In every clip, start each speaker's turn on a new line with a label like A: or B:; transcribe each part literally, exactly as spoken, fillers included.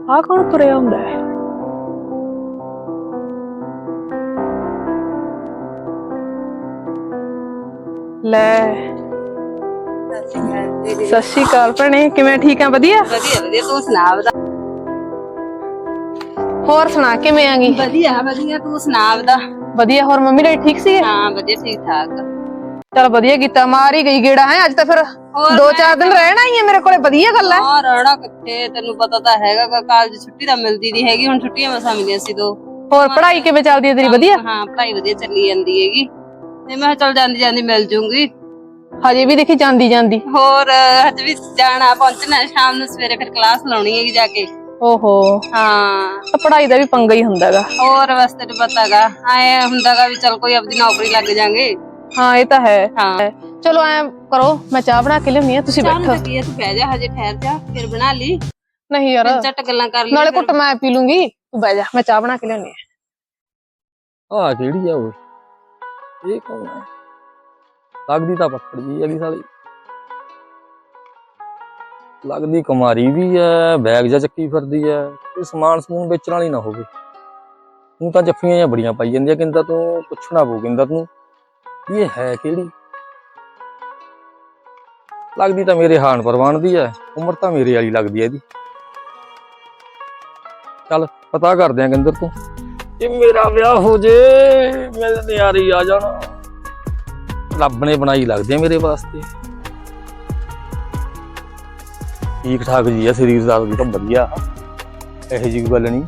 A: ਆ ਕੌਣ ਤੁਰਿਆ ਹੁੰਦਾ ਹੈ? ਲੈ ਸਤਿ ਸ਼੍ਰੀ ਅਕਾਲ ਭੈਣੇ, ਕਿਵੇਂ? ਠੀਕ ਆ? ਵਧੀਆ
B: ਵਧੀਆ ਵਧੀਆ, ਤੂੰ ਸੁਣਾ? ਬਤਾ।
A: ਹੋਰ ਸੁਣਾ, ਕਿਵੇਂ ਆਂਗੀ?
B: ਵਧੀਆ ਵਧੀਆ, ਤੂੰ ਸੁਣਾ? ਬਤਾ।
A: ਵਧੀਆ। ਹੋਰ ਮੰਮੀ ਡੈਡੀ ਠੀਕ ਸੀਗੇ?
B: ਹਾਂ ਵਧੀਆ, ਠੀਕ ਠਾਕ।
A: ਚਲ ਵਧੀਆ ਕੀਤਾ, ਮਾਰ ਹੀ ਗਈ ਗੇੜਾ ਹੈ ਅੱਜ ਤਾਂ। ਫਿਰ ਦੋ ਚਾਰ ਦਿਨ ਰਹਿਣਾ ਹੀ ਹੈ ਮੇਰੇ ਕੋਲੇ, ਵਧੀਆ ਗੱਲ ਹੈ।
B: ਹਾਂ ਰਹਿਣਾ ਕਿੱਥੇ, ਤੈਨੂੰ ਪਤਾ ਤਾਂ ਹੈਗਾ, ਕਾਲਜ ਛੁੱਟੀ ਤਾਂ ਮਿਲਦੀ ਨਹੀਂ ਹੈਗੀ, ਹੁਣ ਛੁੱਟੀਆਂ ਮਸਾਂ ਮਿਲੀਆਂ ਸੀ ਦੋ।
A: ਹੋਰ ਪੜ੍ਹਾਈ ਕਿਵੇਂ ਚੱਲਦੀ ਹੈ ਤੇਰੀ? ਵਧੀਆ।
B: ਹਾਂ ਪੜ੍ਹਾਈ ਵਧੀਆ ਚੱਲੀ ਜਾਂਦੀ ਹੈਗੀ, ਤੇ ਮੈਂ ਚੱਲ ਜਾਂਦੀ ਜਾਂਦੀ ਮਿਲ ਜੂੰਗੀ।
A: ਹਜੇ ਵੀ ਦੇਖੀ ਜਾਂਦੀ ਜਾਂਦੀ।
B: ਹੋਰ ਹਜੇ ਵੀ ਜਾਣਾ, ਪਹੁੰਚਣਾ ਸ਼ਾਮ ਨੂੰ, ਸਵੇਰੇ ਫਿਰ ਕਲਾਸ ਲਾਉਣੀ ਹੈਗੀ ਜਾ ਕੇ।
A: ਓਹੋ
B: ਹਾਂ,
A: ਪੜ੍ਹਾਈ ਦਾ ਵੀ ਪੰਗਾ ਹੀ ਹੁੰਦਾ ਗਾ।
B: ਹੋਰ ਬਸ ਤੈਨੂੰ ਪਤਾਗਾ, ਐ ਹੁੰਦਾਗਾ ਵੀ ਚੱਲ ਕੋਈ ਆਪਦੀ ਨੌਕਰੀ ਲੱਗ ਜਾਗੇ।
A: ਹਾਂ ਇਹ ਤਾਂ ਹੈ।
B: ਹਾਂ
A: ਚਲੋ ਐ ਕਰੋ, ਮੈਂ ਚਾਹ ਬਣਾ ਕੇ ਲਿਆਉਣੀ ਆ, ਤੁਸੀਂ ਬੈਠੋ।
B: ਚਾਹ ਕੀ, ਤੂੰ ਬਹਿ ਜਾ, ਹਜੇ ਠਹਿਰ ਜਾ, ਫਿਰ ਬਣਾ ਲਈ।
A: ਨਹੀਂ ਯਾਰ,
B: ਝੱਟ ਗੱਲਾਂ ਕਰ ਲਈ,
A: ਨਾਲੇ ਘੁੱਟ ਮੈਂ ਪੀ ਲੂੰਗੀ, ਤੂੰ ਬਹਿ ਜਾ, ਮੈਂ ਚਾਹ ਬਣਾ ਕੇ ਲਿਆਉਣੀ ਆ।
C: ਆ ਕਿਹੜੀ ਆ ਓਏ? ਇਹ ਕੌਣ ਆ? ਲੱਗਦੀ ਤਾਂ ਪੱਕੜ ਜੀ ਹੈਗੀ ਸਾਲੀ, ਲੱਗਦੀ ਕੁਮਾਰੀ ਵੀ ਐ, ਬੈਗ ਜਾ ਚੱਕੀ ਫਿਰਦੀ ਐ। ਇਹ ਸਮਾਨ ਸਮੂਨ ਵੇਚਣ ਵਾਲੀ ਨਾ ਹੋਵੇ। ਤੂੰ ਤਾਂ ਜੱਫੀਆਂ ਜਾਂ ਬੜੀਆਂ ਪਾਈ ਜਾਂਦੀਆਂ, ਕਹਿੰਦਾ ਤੂੰ ਪੁੱਛਣਾ ਪਊ, ਕਹਿੰਦਾ ਤੂੰ ਇਹ ਹੈ ਕਿਹੜੀ? ਲੱਗਦੀ ਤਾਂ ਮੇਰੇ ਹਾਨ ਪਰਵਾਨ ਦੀ ਐ, ਉਮਰ ਤਾਂ ਮੇਰੇ ਵਾਲੀ ਲੱਗਦੀ ਐ ਇਹਦੀ। ਚੱਲ ਪਤਾ ਕਰਦੇ ਆਂ ਕਹਿੰਦਰ ਤੂੰ, ਜੇ ਮੇਰਾ ਵਿਆਹ ਹੋ ਜੇ ਮੇਰੇ ਨਿਆਰੇ ਆ ਜਾਣਾ। ਰੱਬ ਨੇ ਬਣਾਈ ਲੱਗਦੀ ਆ ਮੇਰੇ ਵਾਸਤੇ, ਠੀਕ ਠਾਕ ਜੀ ਆ ਸਰੀਰ ਦਾ ਵੀ ਤਾਂ ਵਧੀਆ, ਇਹੋ ਜਿਹੀ ਗੱਲ ਨਹੀਂ।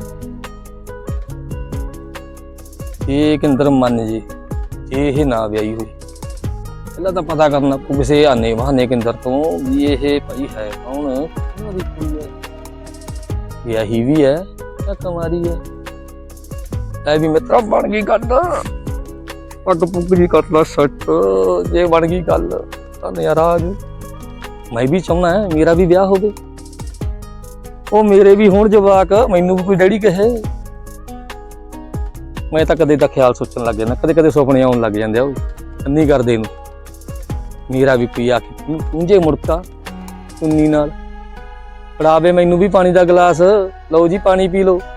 C: ਇਹ ਕਿੰਦਰ ਮੰਨ ਜੇ, ਜੇ ਇਹ ਨਾ ਵਿਆਹੀ ਹੋਈ, ਪਹਿਲਾਂ ਤਾਂ ਪਤਾ ਕਰਨਾ ਪਊ ਕਿਸੇ ਆਨੇ ਬਹਾਨੇ ਕਿੰਦਰ ਤੋਂ ਵੀ ਇਹ ਭਾਈ ਹੈ ਕੌਣ, ਉਹਨਾਂ ਦੀ ਕੁੜੀ ਹੈ, ਵਿਆਹੀ ਵੀ ਹੈ ਜਾਂ ਕੁਮਾਰੀ ਹੈ। ਐ ਵੀ ਮਿੱਤਰਾ ਬਣ ਗਈ ਗੱਲ, ਪੱਗ ਪੁੱਗ ਜੀ ਕਰ ਲਾ ਸੱਟ, ਜੇ ਬਣ ਗਈ ਗੱਲ ਤਾਂ ਨਜ਼ਾਰਾ ਆ ਜੂ। ਮੈਂ ਵੀ ਚਾਹੁੰਦਾ ਮੇਰਾ ਵੀ ਵਿਆਹ ਹੋਵੇ, ਉਹ ਮੇਰੇ ਵੀ ਹੋਣ ਜਵਾਕ, ਮੈਨੂੰ ਵੀ ਕੋਈ ਡੈਡੀ ਕਹੇ। ਮੈਂ ਤਾਂ ਕਦੇ ਦਾ ਖਿਆਲ ਸੋਚਣ ਲੱਗ ਜਾਂਦਾ, ਕਦੇ ਕਦੇ ਸੁਪਨੇ ਆਉਣ ਲੱਗ ਜਾਂਦੇ ਆ, ਉਹ ਅੰਨੀ ਕਰਦੇ ਨੂੰ ਮੇਰਾ ਵੀ ਕੋਈ ਆ ਕੇ ਪੂੰਝੇ ਮੁੜਕਾ ਚੁੰਨੀ ਨਾਲ ਫੜਾਵੇ ਮੈਨੂੰ ਵੀ ਪਾਣੀ ਦਾ ਗਲਾਸ, ਲਓ ਜੀ ਪਾਣੀ ਪੀ ਲਓ।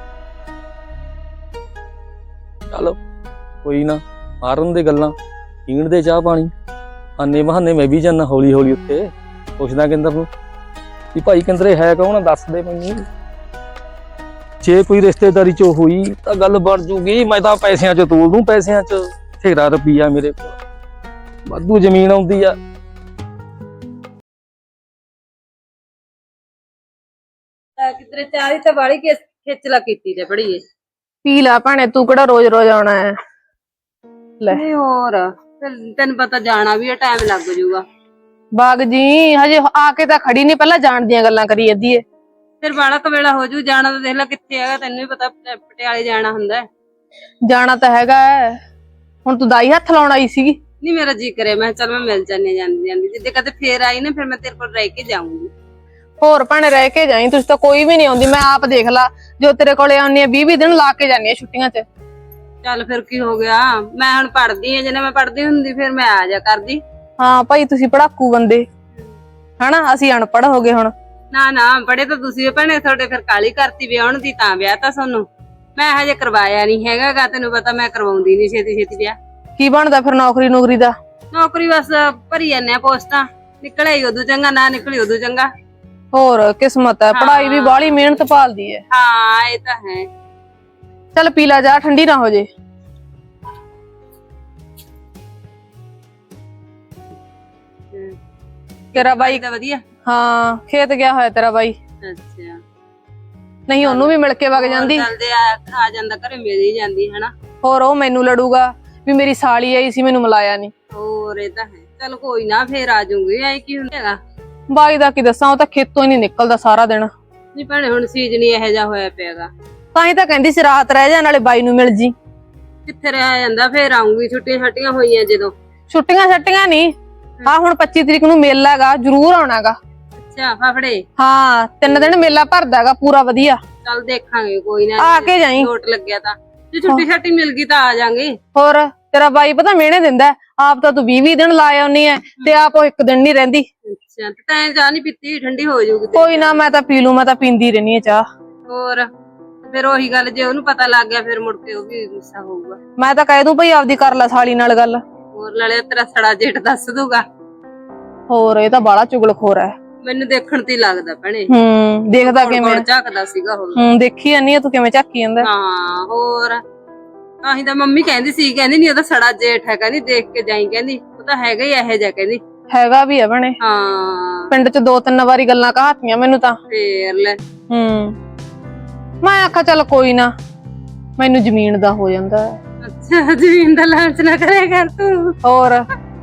C: ਚਲੋ ਕੋਈ ਨਾ, ਮਾਰਨ ਦੇ ਗੱਲਾਂ, ਪੀਣ ਦੇ ਚਾਹ ਪਾਣੀ, ਆਨੇ ਬਹਾਨੇ ਮੈਂ ਵੀ ਜਾਨਾ ਹੌਲੀ ਹੌਲੀ ਉੱਥੇ। ਪੁੱਛਦਾ ਕਿੰਦਰ ਨੂੰ ਵੀ ਭਾਈ ਕਿੰਦਰੇ ਹੈ ਕੌਣ, ਦੱਸ ਦੇ ਮੈਨੂੰ, ਜੇ ਕੋਈ ਰਿਸ਼ਤੇਦਾਰੀ ਚ ਹੋਈ ਤਾਂ ਗੱਲ ਬਣ ਜੂਗੀ। ਮੈਂ ਤਾਂ ਪੈਸਿਆਂ ਚ ਤੋਲ ਦੂੰ, ਪੈਸਿਆਂ ਚ ਬਥੇਰਾ ਰੁਪਈਆ ਮੇਰੇ ਕੋਲ, ਵਾਧੂ ਜ਼ਮੀਨ ਆਉਂਦੀ ਆ।
B: ਕਿਧਰੇ ਚਾਹ ਦੀ ਤਾਂ ਵਾਲੀ ਖੇਚਲਾ ਕੀਤੀ ਤੇ ਬੜੀ ਏ।
A: ਪੀ ਲਾ ਭੈਣੇ, ਤੂੰ ਕਿਹੜਾ ਰੋਜ਼ ਰੋਜ਼ ਆਉਣਾ ਹੈ? ਲੈ
B: ਨਹੀਂ ਹੋਰ, ਤੈਨੂੰ ਪਤਾ ਜਾਣਾ ਵੀ ਟਾਈਮ ਲੱਗ ਜੂਗਾ।
A: ਬਾਗ ਜੀ ਹਜੇ ਆ ਕੇ ਤਾਂ ਖੜੀ ਨੀ, ਪਹਿਲਾਂ ਜਾਣ ਦੀਆਂ ਗੱਲਾਂ ਕਰੀ ਜਾਂਦੀ ਏ।
B: ਫਿਰ ਬਾਲਾ ਕਵੇਲਾ ਹੋ ਜੂ, ਜਾਣਾ ਤਾਂ ਦੇਖ ਲੈ ਕਿੱਥੇ ਹੈਗਾ, ਤੈਨੂੰ ਵੀ ਪਤਾ ਪਟਿਆਲੇ ਜਾਣਾ ਹੁੰਦਾ।
A: ਜਾਣਾ ਤਾਂ ਹੈਗਾ, ਹੁਣ ਤੂੰ ਦਾਈ ਹੱਥ ਲਾਉਣ ਆਈ ਸੀਗੀ?
B: ਨਹੀਂ ਮੇਰਾ ਜੀ ਕਰੇ, ਮੈਂ ਚੱਲ ਮੈਂ ਮਿਲ ਜਾਂਦੀ ਜਾਂਦੀ ਜਾਂਦੀ, ਜਿੱਦੇ ਕਦੇ ਫੇਰ ਆਈ ਨਾ ਫਿਰ ਮੈਂ ਤੇਰੇ ਕੋਲ ਰਹਿ ਕੇ ਜਾਊਂਗੀ।
A: ਹੋਰ ਭੈਣੇ ਰਹਿ ਕੇ ਜਾਈ, ਤੁਸੀਂ ਤਾਂ ਕੋਈ ਵੀ ਨੀ ਆਉਂਦੀ। ਮੈਂ ਆਪ ਦੇਖ ਲਾ, ਜੋ ਤੇਰੇ ਕੋਲੇ ਆਉਣੀ ਆ ਵੀਹ ਵੀਹ ਦਿਨ ਲਾ ਕੇ ਜਾਨੀ ਆ ਛੁੱਟੀਆਂ ਚ।
B: ਚੱਲ ਫਿਰ ਕੀ ਹੋ ਗਿਆ, ਮੈਂ ਹੁਣ ਪੜ੍ਹਦੀ ਆ, ਜੇ ਮੈਂ ਪੜ੍ਹਦੀ ਹੁੰਦੀ ਫਿਰ ਮੈਂ ਆ ਜਾ ਕਰਦੀ। ਹਾਂ
A: ਭਾਈ ਤੁਸੀਂ ਪੜਾਕੂ ਬੰਦੇ ਹਨਾ, ਅਸੀਂ ਅਨਪੜ੍ਹ ਹੋ ਗਏ ਹੁਣ।
B: ਨਾ ਨਾ ਪੜ੍ਹੇ ਤਾਂ ਤੁਸੀਂ ਭੈਣੇ, ਤੁਹਾਡੇ ਫਿਰ ਕਾਲੀ ਕਰਤੀ ਵਿਆਹਣ ਦੀ, ਤਾਂ ਵਿਆਹ ਤਾਂ ਤੁਹਾਨੂੰ ਮੈਂ ਹਜੇ ਕਰਵਾਇਆ ਨੀ ਹੈਗਾ ਗਾ, ਤੈਨੂੰ ਪਤਾ ਮੈਂ ਕਰਵਾਉਂਦੀ ਨੀ ਛੇਤੀ ਛੇਤੀ ਵਿਆਹ।
A: ਕੀ ਬਣਦਾ ਫਿਰ ਨੌਕਰੀ ਨੌਕਰੀ ਦਾ?
B: ਨੌਕਰੀ ਬਸ ਭਰੀ ਜਾਂਦੇ ਆ ਪੋਸਟਾਂ, ਨਿਕਲੇ ਹੀ ਉਦੋਂ ਚੰਗਾ, ਨਾ ਨਿਕਲੀ ਉਦੋਂ ਚੰਗਾ।
A: ਹੋਰ ਕਿਸਮਤ ਹੈ, ਪੜ੍ਹਾਈ ਵੀ ਬਾਹਲੀ ਮਿਹਨਤ ਭਾਲਦੀ ਹੈ।
B: ਹਾਂ ਇਹ ਤਾਂ ਹੈ।
A: ਚੱਲ ਪੀ ਲਾ ਜਾ, ਠੰਡੀ ਨਾ ਹੋ ਜੇ। ਤੇਰਾ ਬਾਈ
B: ਤਾਂ ਵਧੀਆ?
A: ਹਾਂ ਖੇਤ ਗਿਆ ਹੋਇਆ ਤੇਰਾ ਬਾਈ।
B: ਅੱਛਾ,
A: ਨਹੀਂ ਉਹਨੂੰ ਵੀ ਮਿਲ ਕੇ ਵਗ ਜਾਂਦੀ।
B: ਚੱਲਦੇ ਆ, ਆ ਜਾਂਦਾ ਘਰੇ ਮਿਲ ਹੀ ਜਾਂਦੀ ਹਨਾ।
A: ਹੋਰ ਉਹ ਮੈਨੂੰ ਲੜੂਗਾ ਵੀ ਮੇਰੀ ਸਾਲੀ ਆਈ ਸੀ, ਮੈਨੂੰ ਮਿਲਾਇਆ ਨੀ।
B: ਹੋਰ ਇਹ ਤਾਂ ਹੈ, ਚੱਲ ਕੋਈ ਨਾ ਫੇਰ ਆ ਜਾਊਂਗੀ, ਐ ਕੀ ਹੁੰਦਾ।
A: ਬਾਈ ਦਾ ਕੀ ਦੱਸਾਂ, ਉਹ ਤਾਂ ਖੇਤੋਂ ਹੀ ਨੀ ਨਿਕਲਦਾ ਸਾਰਾ ਦਿਨ।
B: ਨਹੀਂ ਭੈਣੇ ਹੁਣ ਸੀਜ਼ਨ ਹੀ ਇਹੋ ਜਿਹਾ ਹੋਇਆ ਪਿਆਗਾ,
A: ਤਾਂ ਹੀ ਤਾਂ ਕਹਿੰਦੀ ਸੀ ਰਾਤ ਰਹਿ ਜਾ, ਨਾਲੇ ਬਾਈ ਨੂੰ ਮਿਲ ਜੀ।
B: ਕਿੱਥੇ ਰਹਿ ਜਾਂਦਾ, ਫੇਰ ਆਉਂਗੀ, ਛੁੱਟੀਆਂ ਛੱਟੀਆਂ ਹੋਈਆਂ ਜਦੋਂ।
A: ਛੁੱਟੀਆਂ ਛੱਟੀਆਂ ਨੀ, ਹਾਂ ਹੁਣ ਪੱਚੀ ਤਰੀਕ ਨੂੰ ਮੇਲਾ ਹੈਗਾ, ਜ਼ਰੂਰ ਆਉਣਾਗਾ।
B: ਅੱਛਾ ਫਾਫੜੇ?
A: ਹਾਂ ਤਿੰਨ ਦਿਨ ਮੇਲਾ ਭਰਦਾ ਹੈਗਾ ਪੂਰਾ ਵਧੀਆ।
B: ਚੱਲ ਦੇਖਾਂਗੇ, ਕੋਈ ਨਾ
A: ਆ ਕੇ ਜਾਈ,
B: ਨੋਟ ਲੱਗਿਆ ਤਾਂ, ਜੇ ਛੁੱਟੀ ਛੱਟੀ ਮਿਲ ਗਈ ਤਾਂ ਆ ਜਾਾਂਗੇ।
A: ਹੋਰ ਤੇਰਾ ਬਾਈ ਪਤਾ ਮਿਹਣੇ ਦਿੰਦਾ, ਆਪ ਤਾਂ ਤੂੰ ਵੀਹ ਵੀਹ ਦਿਨ ਲਾ ਆਉਣੀ ਐ, ਤੇ ਆਪ ਉਹ ਇੱਕ ਦਿਨ ਨੀ ਰਹਿੰਦੀ।
B: ਅੱਛਾ, ਤੈਂ ਚਾਹ ਨੀ ਪੀਤੀ? ਠੰਡੀ ਹੋ ਜਾਊਗੀ।
A: ਕੋਈ ਨਾ, ਮੈਂ ਤਾਂ ਪੀ ਲੂ, ਮੈਂ ਤਾਂ ਪੀਂਦੀ ਰਹਿੰਦੀ ਆ ਚਾਹ।
B: ਹੋਰ ਫਿਰ ਉਹੀ ਗੱਲ, ਜੇ ਉਹਨੂੰ ਪਤਾ ਲੱਗ ਗਿਆ ਫਿਰ ਮੁੜ ਕੇ ਉਹ ਵੀ ਗੁੱਸਾ ਹੋਊਗਾ।
A: ਮੈਂ ਤਾਂ ਕਹਿ ਦੂੰ ਭਈ ਆਪਦੀ ਕਰ ਲੈ ਸਾਲੀ ਨਾਲ ਗੱਲ।
B: ਹੋਰ ਨਾਲੇ ਤੇਰਾ ਸੜਾ ਜੇਠ ਦੱਸ ਦੂਗਾ।
A: ਹੋਰ ਇਹ ਤਾਂ ਬਾਲਾ ਚੁਗਲਖੋਰ ਹੈ।
B: ਮੈਨੂੰ ਦੇਖਣ ਤੇ ਹੀ ਲੱਗਦਾ ਭੈਣੇ।
A: ਹੂੰ ਦੇਖਦਾ
B: ਕੋਲ
A: ਕਿਵੇਂ?
B: ਕੋਲ ਝਾਕਦਾ ਸੀਗਾ ਉਹ।
A: ਹੂੰ ਦੇਖੀ ਜਾਨੀ ਆ ਤੂੰ ਕਿਵੇਂ ਝਾਕੀ ਜਾਂਦਾ।
B: ਹਾਂ ਹੋਰ ਆਹੀਂ ਤਾਂ ਮੰਮੀ ਕਹਿੰਦੀ ਸੀ, ਕਹਿੰਦੀ ਨਹੀਂ ਉਹਦਾ ਸੜਾ ਜੇਠ ਹੈ, ਕਹਿੰਦੀ ਦੇਖ ਕੇ ਜਾਈ, ਕਹਿੰਦੀ ਉਹ ਤਾਂ ਹੈਗਾ ਹੀ ਇਹੋ ਜਿਹਾ, ਕਹਿੰਦੀ
A: ਹੈਗਾ ਵੀ ਆ ਬਣੇ।
B: ਹਾਂ
A: ਪਿੰਡ ਚ ਦੋ ਤਿੰਨ ਵਾਰੀ ਗੱਲਾਂ ਕਹਾਤੀਆਂ ਮੈਨੂੰ ਤਾਂ।
B: ਫੇਰ ਲੈ
A: ਹੂੰ ਮੈਂ ਆਖਿਆ ਚੱਲ ਕੋਈ ਨਾ, ਮੈਨੂੰ ਜ਼ਮੀਨ ਦਾ ਹੋ ਜਾਂਦਾ ਹੈ।
B: ਅੱਛਾ ਜ਼ਮੀਨ ਦਾ ਲਾਲਚ ਨਾ ਕਰਿਆ ਕਰ ਤੂੰ।
A: ਹੋਰ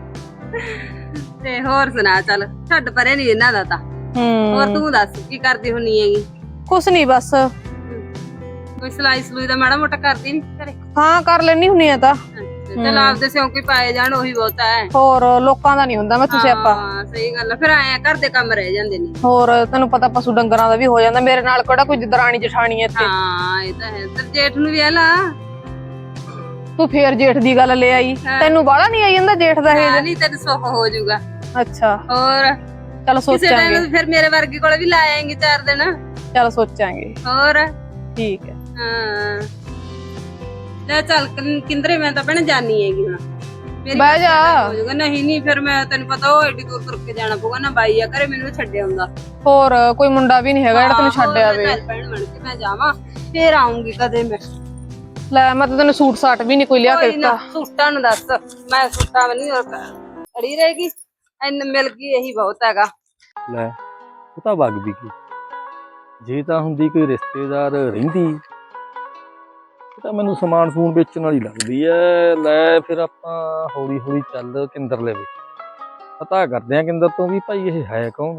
B: ਤੇ ਹੋਰ ਸੁਣਾ, ਚੱਲ ਛੱਡ ਪਰੇ ਨੀ ਇਹਨਾਂ ਦਾ ਤਾਂ।
A: ਹੂੰ
B: ਹੋਰ ਤੂੰ ਦੱਸ ਕੀ ਕਰਦੀ ਹੁੰਨੀ ਹੈਗੀ?
A: ਕੁਛ ਨਹੀਂ ਬਸ।
B: ਕੋਈ ਸਲਾਈ ਸਲੂਈ ਦਾ ਮਾੜਾ ਮੋਟਾ ਕਰਦੀ ਨੀ ਘਰੇ?
A: ਹਾਂ ਕਰ ਲੈਣੀ ਹੁੰਨੀ ਆ ਤਾਂ।
B: ਚਲ ਆਪਦੇ ਸਿਉਂਕੇ ਪਾਏ ਜਾਣ ਉਹੀ ਬਹੁਤ ਹੈ।
A: ਹੋਰ ਲੋਕਾਂ ਦਾ ਨਹੀਂ ਹੁੰਦਾ ਮੈਂ ਤੁਸੀਂ ਆਪਾਂ।
B: ਹਾਂ ਸਹੀ ਗੱਲ ਆ, ਫਿਰ ਆਇਆ ਘਰ ਦੇ ਕੰਮ ਰਹਿ ਜਾਂਦੇ ਨੇ।
A: ਹੋਰ ਤੈਨੂੰ ਪਤਾ ਪਸ਼ੂ ਡੰਗਰਾਂ ਦਾ ਵੀ ਹੋ ਜਾਂਦਾ। ਮੇਰੇ ਨਾਲ ਕਿਹੜਾ ਕੋਈ ਦਰਾਣੀ ਜਠਾਣੀ ਇੱਥੇ।
B: ਹਾਂ ਇਹ ਤਾਂ ਹੈ। ਤੇ ਜੇਠ ਨੂੰ ਵੀ ਲਾ
A: ਤੂੰ ਫੇਰ ਜੇਠ ਦੀ ਗੱਲ ਲੈ ਆਈ। ਤੈਨੂੰ ਬਾਹਲਾ ਨਹੀਂ ਆਈ ਜਾਂਦਾ ਜੇਠ ਦਾ ਇਹ?
B: ਨਹੀਂ ਤੈਨੂੰ ਸੁੱਖ ਹੋ ਜਾਊਗਾ।
A: ਅੱਛਾ
B: ਹੋਰ
A: ਚਲ
B: ਕਿਸੇ
A: ਸੋਚਾਂਗੇ।
B: ਟਾਈਮ ਫਿਰ ਮੇਰੇ ਵਰਗੀ ਕੋਲ ਵੀ ਲਾ ਆਏਂਗੇ ਚਾਰ ਦਿਨ।
A: ਚਲ ਸੋਚਾਂਗੇ।
B: ਹੋਰ
A: ਠੀਕ ਹੈ।
B: ਹਾਂ ਲੈ ਚੱਲ ਕਿੰ- ਕਿੰਦਰੇ ਮੈਂ ਤਾਂ ਭੈਣੇ ਜਾਨੀ ਹੈਗੀ ਹੁਣ। ਮੇਰੀ
A: ਬਹਿ ਜਾ।
B: ਹੋ ਜਾਊਗਾ। ਨਹੀਂ ਨਹੀਂ ਫਿਰ ਮੈਂ ਤੈਨੂੰ ਪਤਾ ਉਹ ਏਡੀ ਦੂਰ ਤੁਰ ਕੇ ਜਾਣਾ ਪਊਗਾ ਨਾ, ਬਾਈ ਆ ਘਰੇ ਮੈਨੂੰ ਛੱਡਿਆ ਆਉਂਦਾ।
A: ਹੋਰ ਕੋਈ ਮੁੰਡਾ ਵੀ ਨਹੀਂ ਹੈਗਾ ਜਿਹੜਾ ਤੈਨੂੰ ਛੱਡ ਆਵੇ।
B: ਭੈਣ ਬਣ ਕੇ ਮੈਂ ਜਾਵਾਂ ਫੇਰ ਆਉਂਗੀ ਕਦੇ ਮੈਂ।
A: ਲੈ ਮੈਂ ਤਾਂ ਤੈਨੂੰ ਸੂਟ ਸਾਟ ਵੀ ਨਹੀਂ ਕੋਈ ਲਿਆ ਕੇ
B: ਕੋਈ ਨਾ
A: ਦਿੱਤਾ।
B: ਸੂਟਾਂ ਨੂੰ ਦੱਸ, ਮੈਂ ਸੂਟਾਂ ਵੀ ਨਹੀਂ ਅੜੀ ਰਹੇਗੀ। ਐਨ ਮਿਲ ਗਈ ਇਹੀ ਬਹੁਤ ਹੈਗਾ।
C: ਲੈ ਉਹ ਤਾਂ ਵਗ ਵੀ ਗਈ। ਜੇ ਤਾਂ ਹੁੰਦੀ ਕੋਈ ਰਿਸ਼ਤੇਦਾਰ ਰਹਿੰਦੀ ਇਹ ਤਾਂ ਮੈਨੂੰ ਸਮਾਨ ਸਮੂਨ ਵੇਚਣ ਵਾਲੀ ਲੱਗਦੀ ਐ। ਲੈ ਫਿਰ ਆਪਾਂ ਹੌਲੀ ਹੌਲੀ ਚੱਲ ਕਿੰਦਰ ਲਵੇ, ਪਤਾ ਕਰਦੇ ਆ ਕਿੰਦਰ ਤੋਂ ਵੀ ਭਾਈ ਇਹ ਹੈ ਕੌਣ।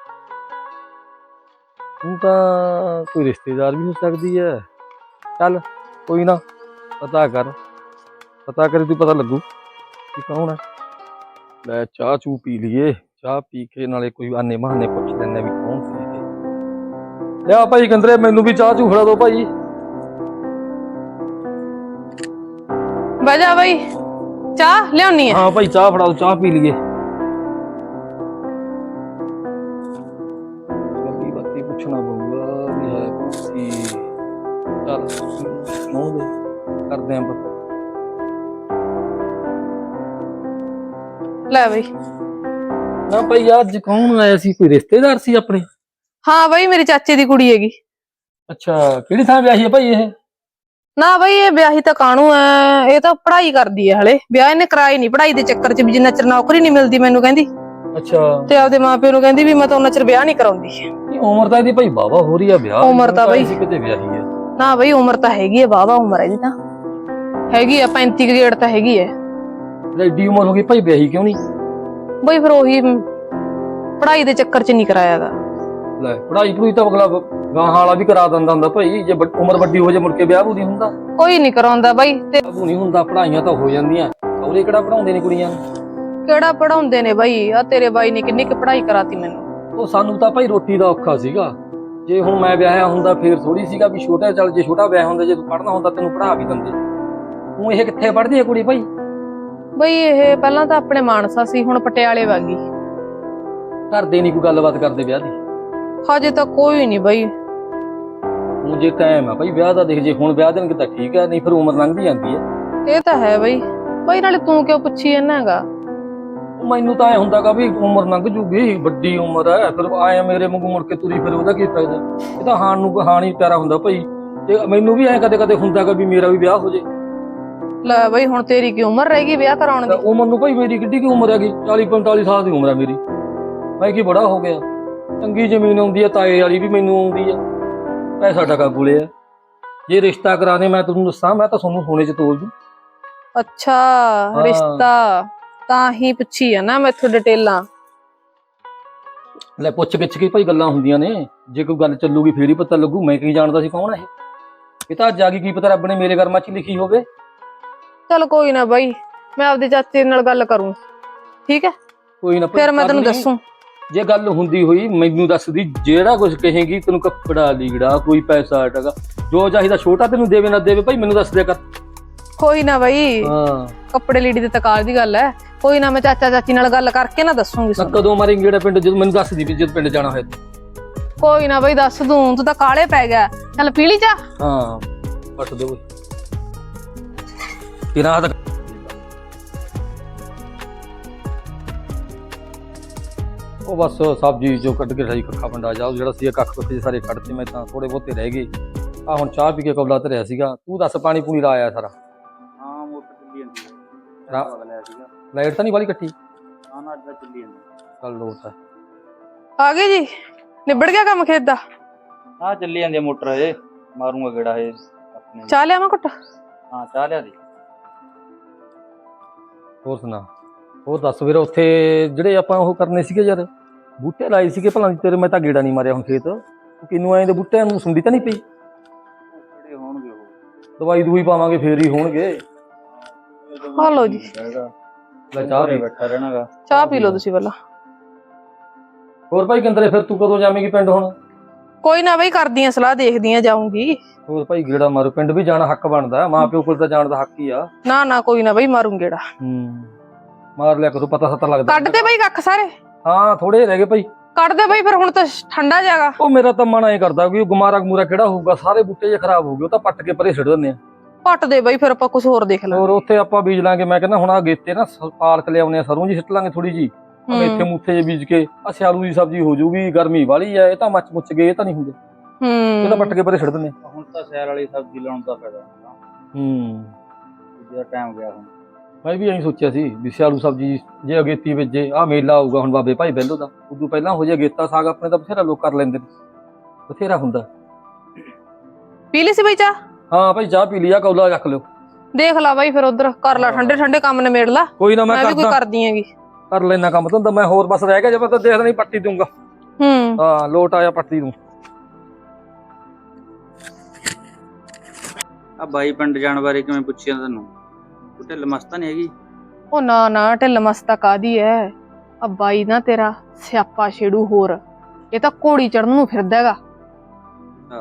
C: ਹੁਣ ਤਾਂ ਕੋਈ ਰਿਸ਼ਤੇਦਾਰ ਵੀ ਹੋ ਸਕਦੀ ਐ। ਚੱਲ ਕੋਈ ਨਾ ਪਤਾ ਕਰ, ਪਤਾ ਕਰੇ ਤੂੰ ਪਤਾ ਲੱਗੂ ਕਿ ਕੌਣ ਹੈ। ਲੈ ਚਾਹ ਚੂ ਪੀ ਲਈਏ, ਚਾਹ ਪੀ ਕੇ ਨਾਲੇ ਕੋਈ ਆਨੇ ਬਹਾਨੇ ਪੁੱਛ ਲੈਂਦੇ ਵੀ ਕੌਣ ਸੀ ਇਹ। ਲਿਆ ਭਾਈ ਕੰਦਰੇ ਮੈਨੂੰ ਵੀ ਚਾਹ ਚੂ ਫੜਾ ਦੋ ਭਾਈ।
A: ਬਹਿ ਜਾ ਬਈ, ਚਾਹ ਲਿਆਉਣੀ ਹੈ।
C: ਹਾਂ ਭਾਈ ਚਾਹ ਫੜਾ ਦੋ, ਚਾਹ ਪੀ ਲਈਏ। ਗੱਲੀ ਬਾਤੀ ਪੁੱਛਣਾ ਪਊਗਾ ਵੀ ਹੈ ਕੁਛ। ਚੱਲ ਨੋ ਦੇ ਕਰਦੇ ਆਂ ਪਤਾ।
A: ਲੈ ਬਈ।
C: ਨਾ ਭਾਈ ਅੱਜ ਕੌਣ ਆਇਆ ਸੀ? ਕੋਈ ਰਿਸ਼ਤੇਦਾਰ ਸੀ ਆਪਣੇ?
A: ਹਾਂ ਬਈ ਮੇਰੀ ਚਾਚੇ ਦੀ ਕੁੜੀ ਹੈਗੀ।
C: ਅੱਛਾ ਕਿਹੜੀ ਥਾਂ ਵਿਆਹੀ ਹੈ ਭਾਈ ਇਹ?
A: ਨਾ ਬਈ ਇਹ ਵਿਆਹੀ ਤਾਂ ਕਾਹਨੂੰ ਐ, ਇਹ ਤਾਂ ਪੜ੍ਹਾਈ ਕਰਦੀ ਹੈ ਹਲੇ। ਵਿਆਹ ਇਹਨੇ ਕਰਾਈ ਨਹੀਂ, ਪੜ੍ਹਾਈ ਦੇ ਚੱਕਰ ਚ ਵੀ ਜਿੰਨਾ ਚਿਰ ਨੌਕਰੀ ਨਹੀਂ ਮਿਲਦੀ ਮੈਨੂੰ ਕਹਿੰਦੀ।
C: ਅੱਛਾ
A: ਤੇ ਆਪਦੇ ਮਾਪਿਓ ਨੂੰ ਕਹਿੰਦੀ ਵੀ ਮੈਂ ਤਾਂ ਉਹਨਾਂ ਚਿਰ ਵਿਆਹ ਨਹੀਂ ਕਰਾਉਂਦੀ।
C: ਇਹ ਉਮਰ ਤਾਂ ਇਹਦੀ ਭਾਈ ਵਾਹਵਾ ਹੋ ਰਹੀ ਆ ਵਿਆਹ।
A: ਉਮਰ ਤਾਂ ਬਈ
C: ਸੀ ਕਿਤੇ ਵਿਆਹੀ ਹੈ।
A: ਨਾ ਬਈ ਉਮਰ ਤਾਂ ਹੈਗੀ ਹੈ, ਵਾਹਵਾ ਉਮਰ ਹੈ ਜੀ। ਤਾਂ ਹੈਗੀ ਆ ਪੈਂਤੀ ਗ੍ਰੇਡ ਤਾਂ ਹੈਗੀ ਹੈ।
C: ਐਡੀ ਉਮਰ ਹੋ ਗਈ ਭਾਈ ਵਿਆਹੀ ਕਿਉਂ ਨਹੀਂ?
A: ਬਈ ਫਿਰ ਉਹੀ ਪੜ੍ਹਾਈ ਦੇ ਚੱਕਰ ਚ ਨਹੀਂ ਕਰਾਇਆਗਾ।
C: ਲੈ ਪੜ੍ਹਾਈ ਪੜੂਈ ਤਾਂ ਅਗਲਾ ਗਾਹਾਂ ਵਾਲਾ ਵੀ ਕਰਾ ਦਿੰਦਾ ਹੁੰਦਾ ਭਾਈ। ਜੇ ਵੱਡ- ਉਮਰ ਵੱਡੀ ਹੋ ਜੇ ਮੁੜ ਕੇ ਵਿਆਹ ਵੀ ਨਹੀਂ ਹੁੰਦਾ।
A: ਕੋਈ ਨਹੀਂ ਕਰਾਉਂਦਾ ਬਈ। ਤੇ
C: ਵਿਆਹ ਨਹੀਂ ਹੁੰਦਾ, ਪੜ੍ਹਾਈਆਂ ਤਾਂ ਹੋ ਜਾਂਦੀਆਂ। ਸਹੁਰੇ ਕਿਹੜਾ ਪੜਾਉਂਦੇ ਨੇ ਕੁੜੀਆਂ ਨੂੰ?
A: ਕਿਹੜਾ ਪੜਾਉਂਦੇ ਨੇ ਬਈ, ਆ ਤੇਰੇ ਬਾਈ ਨੇ ਕਿੰਨੀ ਕੁ ਪੜ੍ਹਾਈ ਕਰਾਤੀ ਮੈਨੂੰ।
C: ਉਹ ਸਾਨੂੰ ਤਾਂ ਭਾਈ ਰੋਟੀ ਦਾ ਔਖਾ ਸੀਗਾ। ਜੇ ਹੁਣ ਮੈਂ ਵਿਆਹਿਆ ਹੁੰਦਾ ਫੇਰ ਥੋੜੀ ਸੀਗਾ ਵੀ ਛੋਟਾ ਚੱਲ, ਜੇ ਛੋਟਾ ਵਿਆਹ ਹੁੰਦਾ, ਜੇ ਤੂੰ ਪੜ੍ਹਨਾ ਹੁੰਦਾ ਤੈਨੂੰ ਪੜ੍ਹਾ ਵੀ ਦਿੰਦੇ। ਹੁਣ ਇਹ ਕਿੱਥੇ ਪੜ੍ਹਦੀ ਹੈ ਕੁੜੀ ਭਾਈ?
A: ਬਈ ਇਹ ਪਹਿਲਾਂ ਤਾਂ ਆਪਣੇ ਮਾਨਸਾ ਸੀ, ਹੁਣ ਪਟਿਆਲੇ ਵਾਗੀ।
C: ਘਰ ਦੇ ਨਹੀਂ ਕੋਈ ਗੱਲਬਾਤ ਕਰਦੇ ਵਿਆਹ ਦੀ?
A: ਹਜੇ ਤਾਂ ਕੋਈ ਨਹੀਂ ਬਈ।
C: ਹੁਣ ਜੇ ਟਾਈਮ ਆ ਭਾਈ ਵਿਆਹ ਦਾ, ਦੇਖ ਜੇ ਹੁਣ ਵਿਆਹ ਦੇਣਗੇ ਤਾਂ ਠੀਕ ਹੈ, ਨਹੀਂ ਫਿਰ ਉਮਰ ਲੰਘਦੀ ਜਾਂਦੀ ਹੈ।
A: ਇਹ ਤਾਂ ਹੈ ਬਈ। ਬਈ ਨਾਲੇ ਤੂੰ ਕਿਉਂ ਪੁੱਛੀ ਇਹਨਾਂ ਹੈਗਾ?
C: ਮੈਨੂੰ ਤਾਂ ਐ ਹੁੰਦਾਗਾ ਵੀ ਉਮਰ ਲੰਘ ਜੂਗੀ, ਵੱਡੀ ਉਮਰ ਹੈ, ਫਿਰ ਆਏ ਮੇਰੇ ਵਾਂਗੂ ਮੁੜ ਕੇ ਤੁਰੀ ਫਿਰ ਉਹਦਾ ਕੀ ਫਾਇਦਾ? ਇਹ ਤਾਂ ਹਾਣ ਨੂੰ ਹਾਣ ਹੀ ਪਿਆਰਾ ਹੁੰਦਾ ਭਾਈ। ਤੇ ਮੈਨੂੰ ਵੀ ਐ ਕਦੇ ਕਦੇ ਹੁੰਦਾਗਾ ਵੀ ਮੇਰਾ ਵੀ ਵਿਆਹ ਹੋ ਜੇ।
A: ਲੈ ਬਈ ਹੁਣ ਤੇਰੀ ਕੀ ਉਮਰ ਰਹੇਗੀ ਵਿਆਹ ਕਰਾਉਣ ਦੀ?
C: ਉਮਰ ਨੂੰ ਭਾਈ ਮੇਰੀ ਕਿੱਡੀ ਕੀ ਉਮਰ ਹੈਗੀ? ਚਾਲੀ ਪੰਤਾਲੀ ਸਾਲ ਦੀ ਉਮਰ ਹੈ ਮੇਰੀ। ਮੈਂ ਕੀ ਬੜਾ ਹੋ ਗਿਆ। ਚੰਗੀ ਜ਼ਮੀਨ ਆਉਂਦੀ ਹੈ, ਤਾਏ ਵਾਲੀ ਵੀ ਮੈਨੂੰ ਆਉਂਦੀ ਹੈ, ਪੈਸਾ ਟਕਾ ਕੋਲੇ ਆ। ਜੇ ਰਿਸ਼ਤਾ ਕਰਾਣੇ ਮੈਂ ਤੁਹਾਨੂੰ ਦੱਸਾਂ, ਮੈਂ ਤਾਂ ਤੁਹਾਨੂੰ ਸੋਨੇ 'ਚ ਤੋਲ ਦੂੰ।
A: ਅੱਛਾ ਰਿਸ਼ਤਾ ਤਾਂ ਹੀ ਪੁੱਛੀ ਆ ਨਾ ਮੈਥੋਂ ਡਿਟੇਲਾਂ।
C: ਲੈ ਪੁੱਛ ਗਿੱਛ ਕੇ ਭਾਈ ਗੱਲਾਂ ਹੁੰਦੀਆਂ ਨੇ। ਜੇ ਕੋਈ ਗੱਲ ਚੱਲੂਗੀ ਫੇਰ ਹੀ ਪਤਾ ਲੱਗੂ। ਮੈਂ ਕੀ ਜਾਣਦਾ ਸੀ ਕੌਣ ਹੈ ਇਹ? ਇਹ ਤਾਂ ਅੱਜ ਆ ਗਈ, ਕੀ ਪਤਾ ਰੱਬ ਨੇ ਮੇਰੇ ਕਰਮਾਂ 'ਚ ਲਿਖੀ ਹੋਵੇ।
A: ਚਲ ਕੋਈ ਨਾ ਬਈ, ਮੈਂ ਆਪਦੇ ਚਾਚੇ ਨਾਲ ਗੱਲ ਕਰੂੰ। ਠੀਕ ਹੈ
C: ਕੋਈ ਨਾ
A: ਫਿਰ ਮੈਂ ਤੈਨੂੰ ਦੱਸੂ।
C: ਜੇ ਗੱਲ ਹੁੰਦੀ ਹੋਈ ਮੈਨੂੰ ਦੱਸਦੀ। ਜਿਹੜਾ ਕੁਝ ਕਹੇਗੀ ਤੈਨੂੰ ਕੱਪੜਾ ਲੀੜਾ ਕੋਈ ਪੈਸਾ ਟਗਾ ਜੋ ਚਾਹੀਦਾ, ਛੋਟਾ ਤੈਨੂੰ ਦੇਵੇ ਨਾ ਦੇਵੇ ਭਾਈ ਮੈਨੂੰ ਦੱਸ ਦਿਆ ਕਰ।
A: ਕੋਈ ਨਾ ਬਈ,
C: ਹਾਂ
A: ਕੱਪੜੇ ਲੀੜੀ ਦੇ ਤਕਾਲ ਦੀ ਗੱਲ ਹੈ। ਕੋਈ ਨਾ ਮੈਂ ਚਾਚਾ ਚਾਚੀ ਨਾਲ ਗੱਲ ਕਰਕੇ ਨਾ ਦੱਸੂਗੀ।
C: ਕਦੋਂ ਮਾਰੇਂਗੇ ਜਿਹੜਾ ਪਿੰਡ? ਜਦੋਂ ਮੈਨੂੰ ਦੱਸ ਦੀ ਵੀ ਜਦ ਪਿੰਡ ਜਾਣਾ ਹੋਇਆ।
A: ਕੋਈ ਨਾ ਬਈ ਦੱਸ ਦੂੰ, ਤੂੰ ਤਾਂ ਕਾਲੇ ਪੈ ਗਿਆ। ਚੱਲ ਪੀ ਲਈ ਚਾਹ।
C: ਹਾਂ ਪੱਟ ਦੇ ਓਏ ਤੇਰਾ ਹੱਥ ਉਹ ਬਸ ਸਬਜ਼ੀ ਜੋ ਕੱਢ ਕੇ ਸਾਈ ਕੱਖਾ ਪੰਡਾ ਜਾ ਜਿਹੜਾ ਸੀ ਕੱਖ ਕੁੱਖੇ ਸਾਰੇ ਕੱਢਤੇ ਮੈਂ ਤਾਂ ਥੋੜੇ ਬਹੁਤੇ ਰਹਿ ਗਏ ਆ ਹੁਣ ਚਾਹ ਪੀ ਕੇ ਕਬਲਾ ਧਰਿਆ ਸੀਗਾ ਤੂੰ ਦੱਸ ਪਾਣੀ ਪੂਣੀ ਲਾ ਆਇਆ ਸਾਰਾ
D: ਹਾਂ ਮੋਟਰ ਚੱਲੀ ਜਾਂਦੀ ਹੈ
C: ਰਾ-
D: ਬਦਲਿਆ ਸੀਗਾ
C: ਲਾਈਟ ਤਾਂ ਨਹੀਂ ਵਾਲੀ ਕੱਟੀ
D: ਹਾਂ ਨਾ ਅੱਜ ਤਾਂ ਚੱਲੀ ਜਾਂਦੀ
C: ਚੱਲ ਲੋਟ ਹੈ
A: ਆ ਗਏ ਜੀ, ਨਿਬੜ ਗਿਆ ਕੰਮ ਖੇਤ ਦਾ।
D: ਹਾਂ ਚੱਲੀ ਜਾਂਦੀ ਹੈ ਮੋਟਰ ਹਜੇ ਮਾਰੂੰਗਾ ਗੇੜਾ ਹਜੇ ਆਪਣੇ
A: ਚਾਹ ਲਿਆਵਾਂ ਘੁੱਟ?
D: ਹਾਂ ਚਾਹ ਲਿਆ ਦੀ
C: ਹੋਰ ਸੁਣਾ ਹੋਰ ਦੱਸ ਵੀਰ ਉੱਥੇ ਜਿਹੜੇ ਆਪਾਂ ਉਹ ਕਰਨੇ ਸੀਗੇ ਯਾਰ ਬੂਟੇ ਲਾਏ ਸੀਗੇ ਭਲਾ ਤੇਰੇ ਮੈਂ ਤਾਂ ਗੇੜਾ ਨਹੀਂ ਮਾਰਿਆ ਹੁਣ ਖੇਤ ਕਿਨੂੰ ਆਏ ਦੇ ਬੂਟਿਆਂ ਨੂੰ ਸੁੰਡੀ ਤਾਂ ਨਹੀਂ ਪਈ
D: ਕਿਹੜੇ ਹੋਣਗੇ ਉਹ
C: ਦਵਾਈ ਦੂਈ ਪਾਵਾਂਗੇ ਫੇਰ ਹੀ ਹੋਣਗੇ
A: ਆ ਲਓ ਜੀ,
D: ਹੈਗਾ
C: ਲੈ ਚਾਹ ਪੀ
D: ਬੈਠਾ ਰਹਿਣਾਗਾ
A: ਚਾਹ ਪੀ ਲਓ ਤੁਸੀਂ ਪਹਿਲਾਂ।
C: ਹੋਰ ਭਾਈ ਕਿੰਦਰੇ ਫਿਰ ਤੂੰ ਕਦੋਂ ਜਾਵੇਂਗੀ ਪਿੰਡ ਹੁਣ
A: ਕੋਈ ਨਾ ਬਈ, ਕਰਦੀ ਆ ਸਲਾਹ, ਦੇਖਦੀ ਆ ਜਾਊਂਗੀ।
C: ਹੋਰ ਭਾਈ ਗੇੜਾ ਮਾਰੋ ਪਿੰਡ ਵੀ ਜਾਣਾ ਹੱਕ ਬਣਦਾ ਮਾਂ ਪਿਓ ਕੋਲ ਤਾਂ ਜਾਣ ਦਾ ਹੱਕ ਹੀ ਆ
A: ਨਾ ਨਾ ਕੋਈ ਨਾ ਬਈ, ਮਾਰੂੰ ਗੇੜਾ।
C: ਹੂੰ ਮਾਰ ਲਿਆ ਕਰੋ ਪਤਾ ਸਤਾ ਲੱਗਦਾ
A: ਕੱਢ ਦੇ ਬਈ ਕੱਖ ਸਾਰੇ,
C: ਹਾਂ ਥੋੜੇ ਰਹਿ ਗਏ ਭਾਈ
A: ਕੱਢ ਦੇ ਬਈ, ਫਿਰ ਹੁਣ ਤਾਂ ਠੰਡਾ ਜਾਗਾ।
C: ਉਹ ਮੇਰਾ ਤਾਂ ਮਨ ਐ ਕਰਦਾ ਕਿ ਉਹ ਗੁਮਾਰਾ ਗਮੂਰਾ ਕਿਹੜਾ ਹੋਊਗਾ ਸਾਰੇ ਬੂਟੇ ਜੇ ਖਰਾਬ ਹੋ ਗਏ ਉਹ ਤਾਂ ਪੱਟ ਕੇ ਪਰੇ ਛੱਡ ਦਿੰਦੇ ਆ
A: ਪੱਟ ਦੇ ਬਈ, ਫਿਰ ਆਪਾਂ ਕੁਝ ਹੋਰ ਦੇਖ ਲਾਂਗੇ।
C: ਹੋਰ ਉੱਥੇ ਆਪਾਂ ਬੀਜ ਲਾਂਗੇ ਮੈਂ ਕਹਿੰਦਾ ਹੁਣ ਆ ਗੇਤੇ ਨਾ ਸ- ਪਾਲਕ ਲਿਆਉਣੇ ਆ ਸਰੋਂ ਜੀ ਸਿੱਟ ਲਾਂਗੇ ਥੋੜੀ ਜੀ ਮੇਥੇ ਮੂਥੇ ਜੇ ਬੀਜ ਕੇ ਆ ਸਿਆਲੂ ਦੀ ਸਬਜ਼ੀ ਹੋ ਜਾਊਗੀ ਗਰਮੀ ਵਾਲੀ ਐ ਇਹ ਤਾਂ ਮੱਚ ਮੁੱਚ ਗਏ ਇਹ ਤਾਂ ਨਹੀਂ ਹੁੰਦੇ ਇਹ ਤਾਂ
A: ਹੂੰ
C: ਪੱਟ ਕੇ ਪਰੇ ਛੱਡ ਦਿੰਦੇ ਆ।
D: ਹੁਣ ਤਾਂ ਸੈਰ ਵਾਲੀ ਸਬਜ਼ੀ ਲਾਉਣ ਦਾ ਫਾਇਦਾ ਹੁੰਦਾ
C: ਹੂੰ
D: ਜਿਹੜਾ ਟਾਈਮ ਗਿਆ ਹੁਣ
C: ਮੈਂ ਵੀ ਐਂ ਸੋਚਿਆ ਸੀ ਵੀ ਸਿਆਲੂ ਸਬਜ਼ੀ ਜੇ ਅਗੇਤੀ ਵੇਜੇ ਆ ਮੇਲਾ ਆਊਗਾ ਹੁਣ ਬਾਬੇ ਭਾਈ ਬੈਲੋ ਦਾ ਉਦੋਂ ਪਹਿਲਾਂ ਹੋ ਜਾ ਗੇਤਾ ਸਾਗ ਆਪਣੇ ਤਾਂ ਬਥੇਰਾ ਲੋਕ ਕਰ ਲੈਂਦੇ ਨੇ ਬਥੇਰਾ ਹੁੰਦਾ
A: ਪੀ ਲਈ ਸੀ ਬਈ ਚਾਹ?
C: ਹਾਂ ਭਾਈ ਚਾਹ ਪੀ ਲਿਆ ਕੌਲਾ ਰੱਖ ਲਿਓ
A: ਦੇਖ ਲਾ ਬਾਈ, ਫਿਰ ਉਧਰ ਕਰ ਲਾ, ਠੰਡੇ ਠੰਡੇ ਕੰਮ ਨਿਬੇੜ ਲਾ।
C: ਕੋਈ ਨਾ ਮੈਂ
A: ਮੈਂ ਵੀ ਕੋਈ
C: ਕਰਦਾ
A: ਕਰਦੀ ਹੈਗੀ।
C: ਕਰ ਲੈਣਾ ਕੰਮ ਤਾਂ ਮੈਂ ਹੋਰ ਬਸ ਰਹਿ ਗਿਆ ਜੇ ਮੈਂ ਤਾਂ ਦੇਖਦਾ ਨਹੀਂ ਪੱਟੀ ਦੂੰਗਾ
A: ਹੂੰ
C: ਹਾਂ ਲੋਟ ਆਇਆ ਪੱਟੀ ਦੂੰ
D: ਆ ਬਾਈ ਪਿੰਡ ਜਾਣ ਬਾਰੇ ਕਿਵੇਂ ਪੁੱਛਿਆ ਤੈਨੂੰ ਉਹ ਢਿੱਲ ਮਸਤਾ ਨਹੀਂ ਹੈਗੀ
A: ਉਹ ਨਾ ਨਾ, ਢਿੱਲ ਮਸਤਾ ਕਾਦੀ ਐ? ਆ ਬਾਈ ਨਾ ਤੇਰਾ ਸਿਆਪਾ ਛੇੜੂ ਹੋਰ, ਇਹ ਤਾਂ ਘੋੜੀ ਚੜਨ ਨੂੰ ਫਿਰਦਾ ਹੈਗਾ।
D: ਹਾਂ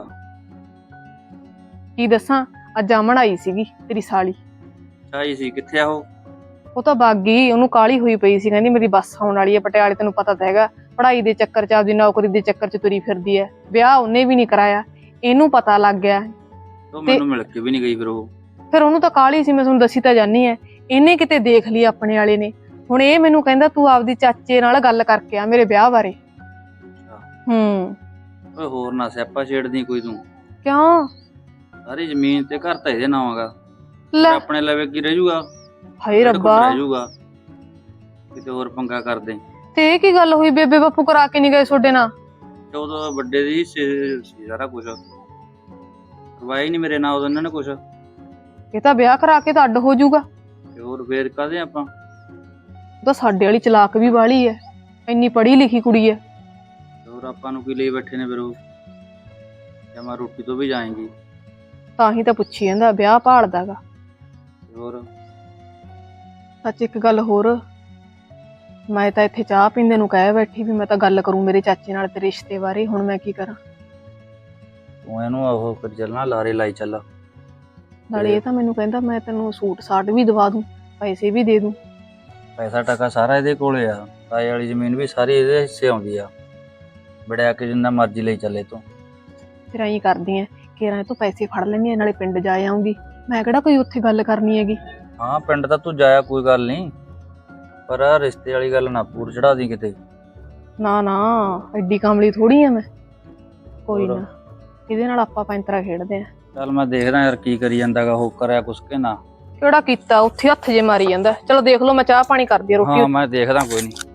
A: ਕੀ ਦੱਸਾਂ, ਅੱਜ ਆਮਣ ਆਈ ਸੀਗੀ ਤੇਰੀ ਸਾਲੀ,
D: ਚਾਹੀ ਸੀ ਕਿੱਥੇ ਆ ਉਹ
A: ਉਹ ਤਾਂ ਬਾਗੀ, ਉਹਨੂੰ ਕਾਲੀ ਹੋਈ ਪਈ ਸੀ, ਕਹਿੰਦੀ ਮੇਰੀ ਬੱਸ ਆਉਣ ਵਾਲੀ ਹੈ ਪਟਿਆਲੇ, ਤੈਨੂੰ ਪਤਾ ਤਾਂ ਹੈਗਾ ਪੜ੍ਹਾਈ ਦੇ ਚੱਕਰ ਚ, ਆਪਦੀ ਨੌਕਰੀ ਦੇ ਚੱਕਰ ਚ ਤੁਰੀ ਫਿਰਦੀ ਐ। ਵਿਆਹ ਉਹਨੇ ਵੀ ਨਹੀਂ ਕਰਾਇਆ, ਇਹਨੂੰ ਪਤਾ ਲੱਗ ਗਿਆ।
D: ਉਹ ਮੈਨੂੰ ਮਿਲ ਕੇ ਵੀ ਨਹੀਂ ਗਈ ਫਿਰ ਉਹ
A: ਫਿਰ ਉਹਨੂੰ ਤਾਂ ਕਾਲੀ ਸੀ, ਮੈਂ ਤੁਹਾਨੂੰ ਦੱਸੀ ਤਾਂ ਜਾਨੀ ਐ। ਇਹਨੇ ਕਿਤੇ ਦੇਖ ਲਈ ਆਪਣੇ ਵਾਲੇ ਨੇ, ਹੁਣ ਇਹ ਮੈਨੂੰ ਕਹਿੰਦਾ ਤੂੰ ਆਪਦੀ ਚਾਚੇ ਨਾਲ ਗੱਲ ਕਰਕੇ ਆ ਮੇਰੇ ਵਿਆਹ ਬਾਰੇ। ਹੂੰ
D: ਓਏ ਹੋਰ ਨਾ ਸਿਆਪਾ ਛੇੜਦੀ ਕੋਈ ਤੂੰ
A: ਕਿਉਂ?
D: ਸਾਰੀ ਜ਼ਮੀਨ ਤੇ ਘਰ ਤਾਂ ਇਹਦੇ ਨਾਮ ਹੈਗਾ
A: ਲੈ
D: ਆਪਣੇ ਲਵੇ ਕੀ ਰਹਿ ਜੂਗਾ
A: ਹਾਏ ਰੱਬਾ,
D: ਰਹਿ ਜੂਗਾ ਕਿਤੇ ਹੋਰ ਪੰਗਾ ਕਰਦੇ
A: ਤੇ ਇਹ ਕੀ ਗੱਲ ਹੋਈ? ਬੇਬੇ ਬਾਪੂ ਕਰਾ ਕੇ ਨਹੀਂ ਗਏ ਤੁਹਾਡੇ ਨਾਲ?
D: ਤੇ ਉਦੋਂ ਵੱਡੇ ਦੀ ਸੀ ਸੀ ਸਾਰਾ ਕੁਝ ਕਰਵਾਇਆ ਨਹੀਂ ਮੇਰੇ ਨਾਲ ਉਦੋਂ ਇਹਨਾਂ ਨੇ ਕੁਝ
A: ਇਹ ਤਾਂ ਵਿਆਹ ਕਰਾ ਕੇ ਤਾਂ ਅੱਡ ਹੋ ਜਾਊਗਾ।
D: ਤੇ ਹੋਰ ਫੇਰ ਕਾਹਦੇ ਆਪਾਂ
A: ਉਹ ਤਾਂ ਸਾਡੇ ਵਾਲੀ ਚਲਾਕ ਵੀ ਵਾਲੀ ਐ, ਇੰਨੀ ਪੜ੍ਹੀ ਲਿਖੀ ਕੁੜੀ ਐ।
D: ਤੇ ਹੋਰ ਆਪਾਂ ਨੂੰ ਕੀ ਲਈ ਬੈਠੇ ਨੇ ਫਿਰ ਉਹ ਜਮਾ ਰੋਟੀ ਤੋਂ ਵੀ ਜਾਏਗੀ
A: ਤਾਂ ਹੀ ਤਾਂ ਪੁੱਛੀ ਜਾਂਦਾ, ਵਿਆਹ ਭਾਲਦਾਗਾ।
D: ਤੇ ਹੋਰ
A: ਸੱਚ ਇੱਕ ਗੱਲ ਹੋਰ, ਮੈਂ ਤਾਂ ਇੱਥੇ ਚਾਹ ਪੀਂਦੇ ਨੂੰ ਕਹਿ ਬੈਠੀ ਵੀ ਮੈਂ ਤਾਂ ਗੱਲ ਕਰੂੰ ਮੇਰੇ ਚਾਚੇ ਨਾਲ ਤੇ ਰਿਸ਼ਤੇ ਬਾਰੇ, ਹੁਣ ਮੈਂ ਕੀ ਕਰਾਂ?
D: ਤੂੰ ਇਹਨੂੰ ਉਹ ਕਰ ਚੱਲਣਾ ਲਾਰੇ ਲਾਈ ਚੱਲ
A: ਨਾਲੇ ਇਹ ਤਾਂ ਮੈਨੂੰ ਕਹਿੰਦਾ ਮੈਂ ਤੈਨੂੰ ਸੂਟ ਸਾਟ ਵੀ ਦਵਾ ਦੂੰ, ਪੈਸੇ ਵੀ ਦੇ ਦੂੰ।
D: ਪੈਸਾ ਟਕਾ ਸਾਰਾ ਇਹਦੇ ਕੋਲੇ ਆ ਤਾਏ ਵਾਲੀ ਜ਼ਮੀਨ ਵੀ ਸਾਰੀ ਇਹਦੇ ਹਿੱਸੇ ਆਉਂਦੀ ਆ ਬੜਿਆ ਕੇ ਜਿੰਨਾ ਮਰਜ਼ੀ ਲਈ ਚੱਲੇ ਤੂੰ
A: ਫਿਰ ਐਂ ਕਰਦੀ ਐ ਕਿ ਰਾਂ ਤੋਂ ਪੈਸੇ ਫੜ ਲੈਂਦੀ ਆ, ਨਾਲੇ ਪਿੰਡ ਜਾ ਆਉਂਗੀ। ਮੈਂ ਕਿਹੜਾ ਕੋਈ ਉੱਥੇ ਗੱਲ ਕਰਨੀ ਹੈਗੀ।
D: ਹਾਂ ਪਿੰਡ ਤਾਂ ਤੂੰ ਜਾਇਆ ਕੋਈ ਗੱਲ ਨਹੀਂ ਪਰ ਆਹ ਰਿਸ਼ਤੇ ਵਾਲੀ ਗੱਲ ਨਾ ਪੂਰ ਚੜਾ ਦੀ ਕਿਤੇ
A: ਨਾ ਨਾ, ਐਡੀ ਕਾਮਲੀ ਥੋੜੀ ਆ ਮੈਂ। ਕੋਈ
D: ਹੋਰ?
A: ਨਾ, ਇਹਦੇ ਨਾਲ ਆਪਾਂ ਪੈਂਤਰਾ ਖੇਡਦੇ ਆ।
D: ਚੱਲ ਮੈਂ ਦੇਖਦਾ ਯਾਰ ਕੀ ਕਰੀ ਜਾਂਦਾਗਾ ਉਹ ਕਰਿਆ ਕੁਛ ਕੇ ਨਾ
A: ਕਿਹੜਾ ਕੀਤਾ, ਉੱਥੇ ਹੱਥ ਜੇ ਮਾਰੀ ਜਾਂਦਾ। ਚਲੋ ਦੇਖ ਲਓ, ਮੈਂ ਚਾਹ ਪਾਣੀ ਕਰਦੀ ਆ, ਰੋਟੀ
D: ਹਾਂ ਮੈਂ ਦੇਖਦਾ ਕੋਈ ਨਹੀਂ